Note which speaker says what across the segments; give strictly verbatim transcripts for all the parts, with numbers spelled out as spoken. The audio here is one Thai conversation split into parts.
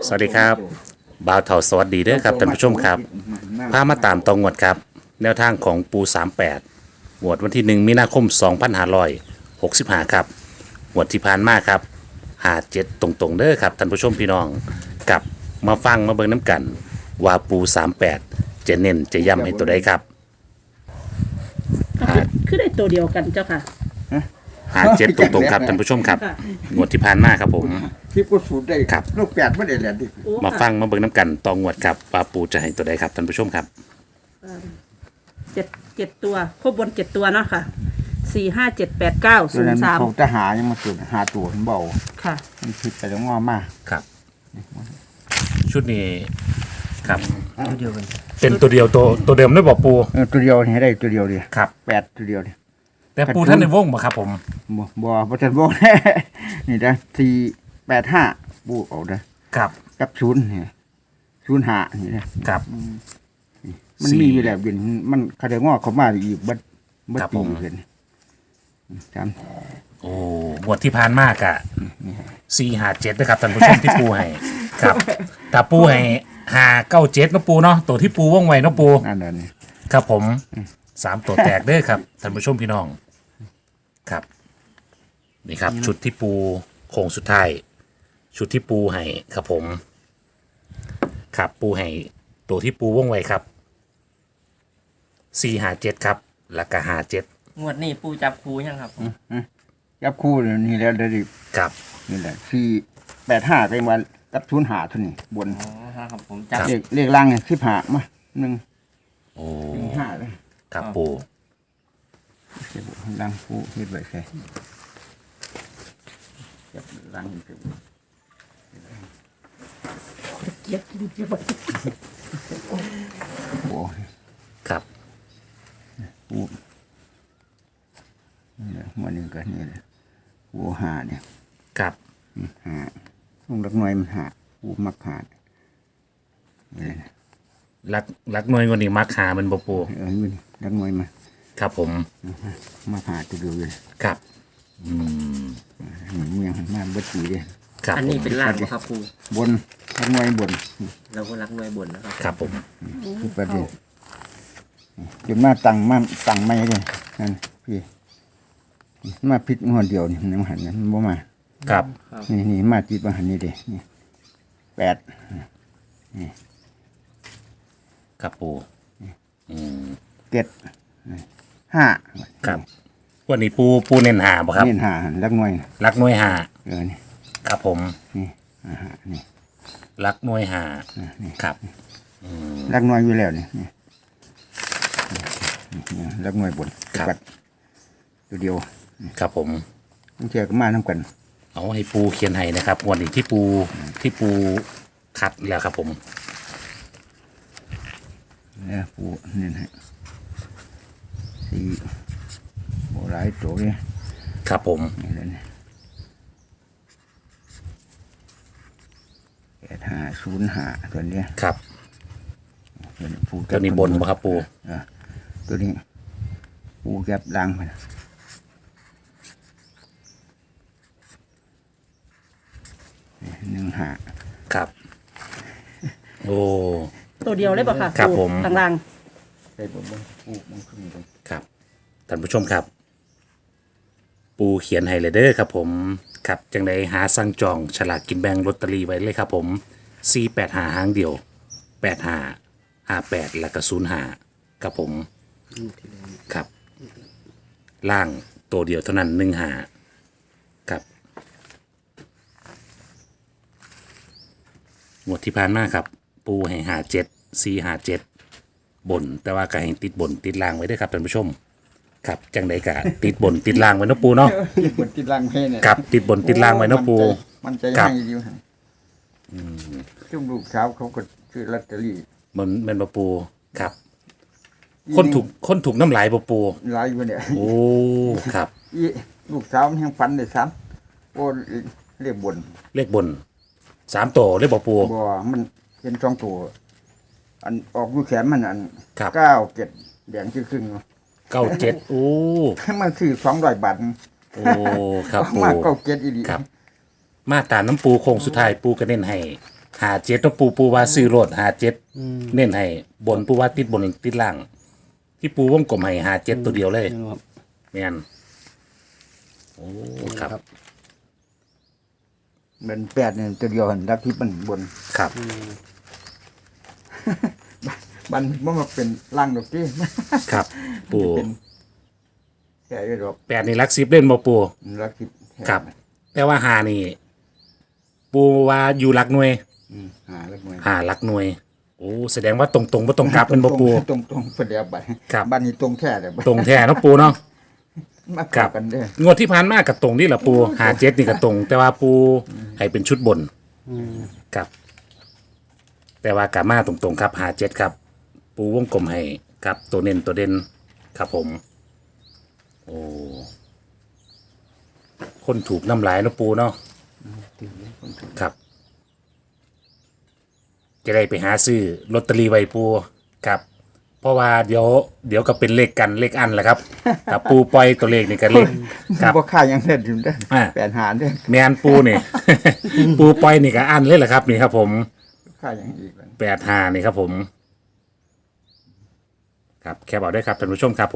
Speaker 1: สวัสดีครับบ่าวเถาสวัสดีเด้อครับท่านผู้ชมครับพามาตามตองงวดครับแนวทางของปูสามแปดงวดวันที่หนึ่งมีนาคมสองพันห้าร้อยหกสิบห้าครับงวดที่ผ่านมาครับหาเจ็ดตรงๆเด้อครับท่านผู้ชมพี่น้องกับมาฟังมาเบิ่งน้ำกันว่าปูสามแปดจะเน้นจะย้ำให้ตัวใดครับ
Speaker 2: ก็คือคือได้ตัวเดียวกันเจ้าค่ะ
Speaker 1: หาเจ็ดตรงๆครับท่านผู้ชมครับ
Speaker 2: ค่ะ
Speaker 1: งวดที่ผ่านมาครับผม
Speaker 3: ที่กูสูตรได้
Speaker 1: ครับ
Speaker 3: ลูกแปดไม่ได้แหลนดิ
Speaker 2: โอ้
Speaker 1: มา
Speaker 2: ค่ะ
Speaker 1: ฟังมาเบิ่งน้ำกันตองงวดครับว่าปูจะให้ตัวใดครับท่านผู้ชมครับ
Speaker 2: เจ็ดเจ็ดตัวครบบนเจ็ดตัวเนาะค่ะสี่ห้าเจ็ดแปดเก้า
Speaker 3: ตั
Speaker 2: ศู
Speaker 3: วน นั้น
Speaker 2: ย์สาม
Speaker 3: เขาจะหายังมาสูตรหาตัวมันเบา
Speaker 2: ค่ะ
Speaker 3: มันผิดไปแล้วงอมาก
Speaker 1: ครับ ชุดนี้ครับ
Speaker 3: ตัวเดียวกัน
Speaker 1: เป็นตัวเดียวตัวตัวเดิมได้บอกปู
Speaker 3: เออตัวเดียวนี่ให้ได้ตัวเดียวดิ
Speaker 1: ครับ
Speaker 3: แปดตัวเดียวดิ
Speaker 1: แต่ปูท่านในวงบ่ครับผม
Speaker 3: บ่บ่บ่ทันบ่ นี่นะสี่แปดห้าบูเอาเด้อ
Speaker 1: ครับ
Speaker 3: กับศูนย์นี่ศูนย์ห้านี่นะครับ มัน
Speaker 1: สี่
Speaker 3: มีอยู่แล้วบินมันเขาได้งอเขามาอีกบัดบัด
Speaker 1: ครับ
Speaker 3: ปี
Speaker 1: ผม
Speaker 3: เพิ่นจำ
Speaker 1: โอ้งวดที่ผ่านมากอะสี่หาเจ็ดนะครับท่านผู้ชมที่ปูให้ครับแต่ปูให้หาเก้าเจ็ดนาะปูเนาะตัวที่ปูว่องไวเนาะปู
Speaker 3: นั่นน่ะนี่
Speaker 1: ครับผมสามตัวแตกเด้อครับท่านผู้ชมพี่น้องครับนี่ครับ ชุดที่ปูโค้งสุดท้ายชุดที่ปูให้ครับผมครับปูให้ตัวที่ปูว่องไวครับสี่หาเจ็ดครับแล้วก็หาเจ็ด
Speaker 4: งวดนี้ปูจับครูยังครับ
Speaker 3: จับคู่นี่แล้วได้ดิ
Speaker 1: ครับ
Speaker 3: นี่แหละสี่แปดห้าก็ยังว่ากับศูนย์ห้าเท่านี้บน
Speaker 4: อ๋อครับผมจับ
Speaker 3: เลขเลขล่างเนี่ยสิบห้ามาหนึ่ง
Speaker 1: โอ้
Speaker 3: ห้าเลย
Speaker 1: ครับปู
Speaker 3: เก็บล่างผู้เฮ็ดไว้ใช่เก็บล่างเก็บ
Speaker 2: เจ็ดเจ็ด
Speaker 3: โอ้
Speaker 1: ครับ
Speaker 3: ผู้นี่แหละมันนึงก็นี่แหละผู้หาเนี่ย
Speaker 1: ครับ
Speaker 3: อืมหาต้องรักน้อยมันหาผู้มักหานี่แหละ
Speaker 1: รักรักหน่วยกว่านี้มักหามันบ่ปู
Speaker 3: เออนี่รักน้อยมา
Speaker 1: ครับผม
Speaker 3: มาหาตัวเดียวเลย
Speaker 1: ครับอืม
Speaker 3: เมืองหันมาบัดสีเลย
Speaker 1: ครับ
Speaker 4: อัน
Speaker 1: ผ
Speaker 4: นี้
Speaker 1: ม
Speaker 4: เป็นล่างบ่ครับครู
Speaker 3: บนรักน้อยบน
Speaker 4: เราก็รักหน่วยบนนะครับ
Speaker 1: ครับผม
Speaker 3: คือประเด็นจนมาตั้งมาตั้งไม่เลยนั่นพี่มาพิษหัวเดียวนี่มันหันนั้นมันบ่มา
Speaker 1: ครับ
Speaker 3: นี่นี่มาจิตมาหันนี่เด้นี่แปด
Speaker 1: ครับปูอืม
Speaker 3: เจ็ดห้า
Speaker 1: ครับวันนี้ปูปูเน้นหาบ่ครับ
Speaker 3: นี่ห้าหันรักน้อยน่ะ
Speaker 1: รักหน่วยหา
Speaker 3: เออนี่
Speaker 1: ครับผม
Speaker 3: นี่อ่าฮะนี่
Speaker 1: รักหน่วยหา
Speaker 3: อ่านี่
Speaker 1: ครับ
Speaker 3: รักน้อยอยู่แล้วนี่นี่นี่รักน้อยบน
Speaker 1: ครับ
Speaker 3: กัดตัวเดียว
Speaker 1: ครับผม
Speaker 3: ต้องเชื่อกันมาน้ำกัน
Speaker 1: เอาให้ปูเขียนให้นะครับวันนี้ที่ปูที่ปูคัดแล้วครับผม
Speaker 3: เนี่ยปูนี่นะสี่โบราณตัวเนี่ย
Speaker 1: ครับผม
Speaker 3: นี่แหละเนี่ยแปดห้าศูนย์ห้าตัวเนี้ย
Speaker 1: ครับ
Speaker 3: ตัวนี้ปู
Speaker 1: ตัวนี้บนบ่ครับปู
Speaker 3: อ่ะตัวนี้ปูแก็บดังไปหนึ่งห้า
Speaker 1: ครับ โอ้
Speaker 2: ตัวเดียวเลยป่ะค่ะ
Speaker 1: ครับผม
Speaker 2: ทางล่าง
Speaker 3: ใส่บนบนปูมันขึ้นบน
Speaker 1: ครับท่านผู้ชมครับ ปูเขียนให้เลยเด้อครับผมครับจังไดหาสั่งจองฉลากกินแบ่งลอตเตอรี่ไว้เลยครับผมสี่แปดหาหางเดียวแปดหาห้าแปดแล้วก็ศูนย์หาครับผมครับ ล่างตัวเดียวเท่านั้นหนึ่งหาครับงวดที่ผ่านมาครับ ปูให้หาเจ็ดสี่หาเจ็ดบน แต่ว่าก็ให้ติดบนติดล่างไว้ด้วยครับท่านผู้ชม ครับจังใดกะ ติดบนติดล่างไว้เนาะปูเนาะ
Speaker 3: ติดบนติดล่างให้เนี่ย
Speaker 1: ครับติดบนติดล่างไว้เนาะปู
Speaker 3: มันใจ
Speaker 1: ครั
Speaker 3: ให้
Speaker 1: บ
Speaker 3: ดีมั้งจุ่มลูกสาวเขาก็ซื้อลอตเตอรี่
Speaker 1: มันเป็นปะปูครับ คนถูกคนถูกน้ำลายปะปู
Speaker 3: หลายอยู่เนี่ย
Speaker 1: โอ้ครับ
Speaker 3: อีลูกสาวมันยังฝันเลยซ้ำโอ้เรียกบน
Speaker 1: เลขบนสามตัวเลขปะปู
Speaker 3: บ่มันเป็นสองตัวอันออกอยู่แขนมันอัน
Speaker 1: ครับ
Speaker 3: เก้าเจ็ดแดงชื่อครึ่ง
Speaker 1: เก้าเจ็ดโอ้
Speaker 3: มันคือสองร้อยบาท
Speaker 1: โอ้ครับปู
Speaker 3: มากเก้าเจ็ดอีดี
Speaker 1: ครับ มาตามน้ำปูโค้งสุดท้ายปูกระเด็นให้หาเจ็ดต้องปูปูว่าซื้อรถหาเจ็ดเน้นให้บนปูว่าติดบนติดล่าง ที่ปูวงกลมให้หาเจ็ดตัวเดียวเลย
Speaker 3: ครับ
Speaker 1: แม่นโอ้ครับ
Speaker 3: เป็นแปดเนี่ยตัวเดียวหันรักที่มันบน
Speaker 1: ครับ
Speaker 3: บันมันมาเป็นล่างดอกที่
Speaker 1: ครับ ปู
Speaker 3: เป็นแค่ยี่ดอก
Speaker 1: แปดนี่ลักซิบเล่นบ่ปู
Speaker 3: รักที่แท้
Speaker 1: ครับ แต่ว่าหานี่ ปูว่าอยู่หลักหน่วย
Speaker 3: อืมหาแล้วมวย
Speaker 1: หาหลักหน่วย โอ้แสดงว่าตรงตรงๆบ่ตรงกลับเป็นบ่ปู
Speaker 3: ตรงตรงๆประเดี๋ยวบัด
Speaker 1: ครับ
Speaker 3: บ้านนี้ตรงแท้เลย
Speaker 1: ตรงแท้เนาะปูเนาะ
Speaker 3: มา
Speaker 1: ครั
Speaker 3: เข้า
Speaker 1: บ
Speaker 3: กันเด้อ
Speaker 1: งวดที่ผ่านมากับตรงนี่แหละปูหาเจ็ดนี่กับตรง แต่ว่าปูให้เป็นชุดบนครับ แต่ว่ากามาตรงๆครับหาเจ็ดครับ ปูวงกลมให้ครับตัวเน้นตัวเด่นครับผม โอ้คนถูกน้ำลายเนาะปูเนาะครับ จะได้ไปหาซื้อลอตเตอรี่ไว้ปูครับ เพราะว่าเดี๋ยวเดี๋ยวก็เป็นเลขกันเลขอันแหละครับกับปูปล่อยตัวเลขนี่กันเลขครับ
Speaker 3: บ่ค่ายังเด็ดอยู่เด้อ
Speaker 1: อ่า
Speaker 3: แปดหาเด้อ
Speaker 1: แมนปูนี่ ปูปล่อยนี่ก็อันเลยแหละครับ นี่ครับผม
Speaker 3: ค่ายังอีกแล้ว
Speaker 1: แปดห้านี่ครับผม ครับแคปเอาด้วยครับท่านผู้ชมครับผม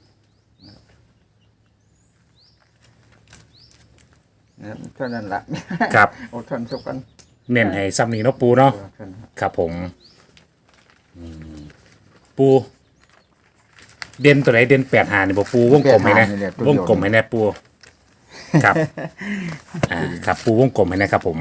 Speaker 3: นะครับเท่านั้นละ
Speaker 1: ครับ
Speaker 3: อดทนสักวัน
Speaker 1: เน้นให้ซ้ำนี่เนาะปูเนาะ
Speaker 3: เท่านั้น
Speaker 1: ครับผมอืมปู เด่นตัวไหนเด่นแปดหานี่บอกปูวงกลมให้นะวงกลมให้แน่ปูครับ อ่าครับปูวงกลมให้นะครับผม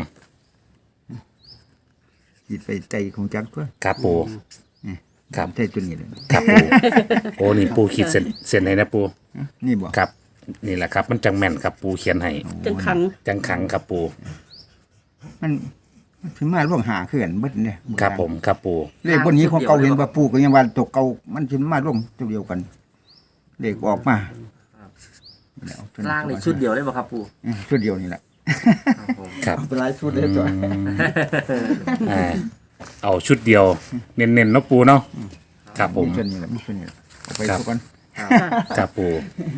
Speaker 3: จิตไปใจของจักตัว
Speaker 1: ครับปูครับ
Speaker 3: ใจตัวนี้เลย
Speaker 1: ครับปูโอ้นี่ปูขีดเส้นเส้นให้นะปู
Speaker 3: นี่บ่
Speaker 1: ครับ นี่แหละครับ มันจังแม่นครับปูเขียนให้
Speaker 2: จังขัง
Speaker 1: จังขังครับปู
Speaker 3: มันมันสิมาร่วงหาเขื่อนเบิดเนี่ย
Speaker 1: ครับผมครับปู
Speaker 3: เลขบนนี้ของเก่าเห็นว่าปู่ก็ยังว่าตกเก่ามันสิมาร่วงตัวเดียวกันเลขออกมาแล้วเท่นั้น
Speaker 4: ล่างในชุดเดียวได้ป่ะครับปู
Speaker 3: อืมชุดเดียวนี่แหละ
Speaker 4: ครับผม
Speaker 1: ครับ
Speaker 3: เป็นหลายชุดเลยตัว
Speaker 1: อ่าเอาชุดเดียว เน้นๆเนาะปูเนาะครับผม
Speaker 3: ชุดนี้แหละมีชุดนี้แหละเอาไป
Speaker 1: ครับ
Speaker 3: ทุกคน
Speaker 1: ครับปู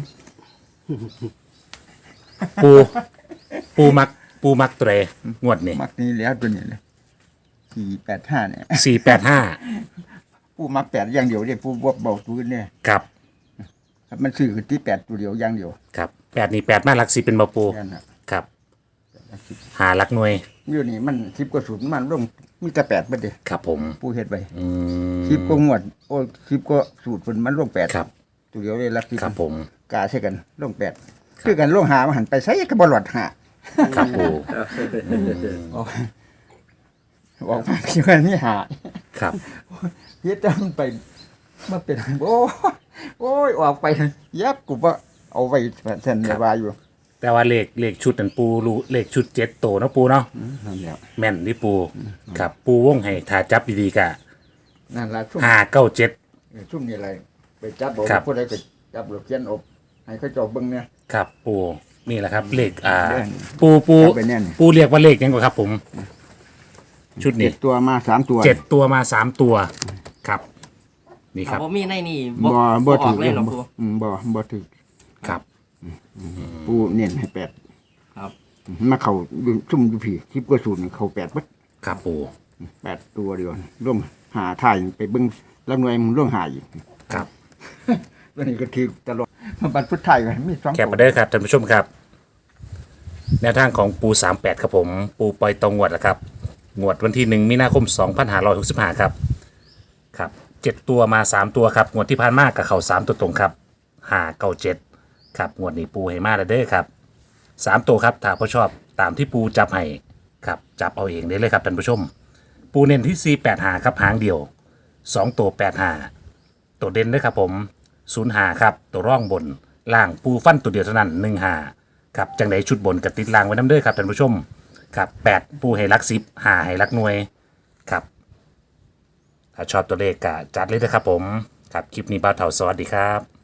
Speaker 1: ปูปูมัก ปูมักตัวใดงวดนี่
Speaker 3: มักนี้แล้วตัวนี้เลยสี่แปดห้าเนี่ย
Speaker 1: สี่แปดห้า
Speaker 3: ปู่มักแปดอย่างเดียวเนี่ยปู่บวกเบาตัวเนี่ย
Speaker 1: ครับ
Speaker 3: ครับมันซื้อที่แปดตัวเดียวอย่างเดียว
Speaker 1: ครับแปดนี่แปดมาหลักสิเป็นบาปู
Speaker 3: แค่นั้นน่ะ
Speaker 1: ครับ หาหลักหน่วย
Speaker 3: อยู่นี่มันสิบกว่าสูตรมันร่วงมีแต่แปดประเดี๋ยว
Speaker 1: ครับผม
Speaker 3: ปู่เฮ็ดไป
Speaker 1: อืม
Speaker 3: สิบกว่างวดโอ้สิบกว่าสูตรมันร่วงแปด
Speaker 1: ครับ
Speaker 3: ตัวเดียวเลยรักที่
Speaker 1: ครับผม
Speaker 3: กาใช่กันร่วงแปดคือกันร่วงหามาหันไปใส่กระบอลอดหา
Speaker 1: ครับปู
Speaker 3: ออกออกมาพี่ว่านี่หา
Speaker 1: ครับ
Speaker 3: เฮ็ดจังไปมาเป็นโอ้โอ้ยออกไปยับกูว่าเอาไว้เส้นเนวาอยู่
Speaker 1: แต่ว่าเลขเลขชุดนั่นปูรู้เลขชุดเจ็ดโตเนาะปูเนาะ
Speaker 3: นั่นแหละ
Speaker 1: แม่นนี่ปู ครับ ปูวงให้ถ้าจับดีๆกะ
Speaker 3: นั่นละชุ่ม
Speaker 1: ห้าเก้าเจ็ด
Speaker 3: ชุ่มนี่อะไรไปจับบอก
Speaker 1: ครับ
Speaker 3: ผู้ใดไปจับหลบเขียนอบให้เขาเจาะเบิ่งเนี่ย
Speaker 1: ครับปูนี่แหละครับ เลขอ่า
Speaker 3: เรื่อง
Speaker 1: ปูปู
Speaker 3: จับไปแน่น
Speaker 1: ปูเรียกว่าเลขยังกว่าครับ ผม ชุด
Speaker 3: เจ็
Speaker 1: นี้
Speaker 3: ดตัวมาสามตัว
Speaker 1: เจ็ดตัวมาสามตัวครับ นี่ค
Speaker 4: ครั
Speaker 1: รั
Speaker 4: บบ ว่ามีในนี่
Speaker 3: บ่บ่
Speaker 4: อ
Speaker 3: ถื
Speaker 4: อ
Speaker 3: อก
Speaker 4: เลยเหรอ
Speaker 3: บ่
Speaker 4: ปู
Speaker 3: อืมบ่บ่ถือ
Speaker 1: ครับ
Speaker 3: ปูเน้นให้แปด
Speaker 4: ครับ
Speaker 3: มาเข้าอยู่ชุ่มอยู่พี่สิบกว่าสูตรนี่เข้าแปดเบิด
Speaker 1: ครับปู
Speaker 3: แปดตัวเดียวร่วมหาถ่ายไปเบิ่งแล้วหน่วยมึงร่วมหาอีก
Speaker 1: ครับ
Speaker 3: ตัวนี้ก็ถือตลอดมาบัดพุทธไทยไว้มีสอง
Speaker 1: แคปมาเด้อครับท่านผู้ชมครับ แนวทางของปูสามแปดครับผม ปูปล่อยตรงงวดแล้วครับ งวดวันที่หนึ่งมีนาคมสองพันห้าร้อยหกสิบห้าครับ ครับเจ็ดตัวมาสามตัวครับ งวดที่ผ่านมากับเข่าสามตัวตรงครับห้าเก้าเจ็ดครับ งวดนี้ปูให้มาแล้วเด้อครับสามตัวครับ ถ้าผู้ชอบตามที่ปูจับให้ครับ จับเอาเองได้เลยครับท่านผู้ชม ปูเน้นที่สี่แปดหาครับหางเดียวสองตัวแปดหาตัวเด่นด้วยครับผมศูนย์หาครับ ตัวร่องบนล่างปูฟันตัวเดียวเท่านั้นหนึ่งหาครับจังไดชุดบนกับติดล่างไว้น้ำเด้อครับท่านผู้ชมครับแปดปูให้รักสิบหาให้รักหน่วยครับถ้าชอบตัวเลขก็จัดเลยนะครับผมครับคลิปนี้บ้าวเถาสวัสดีครับ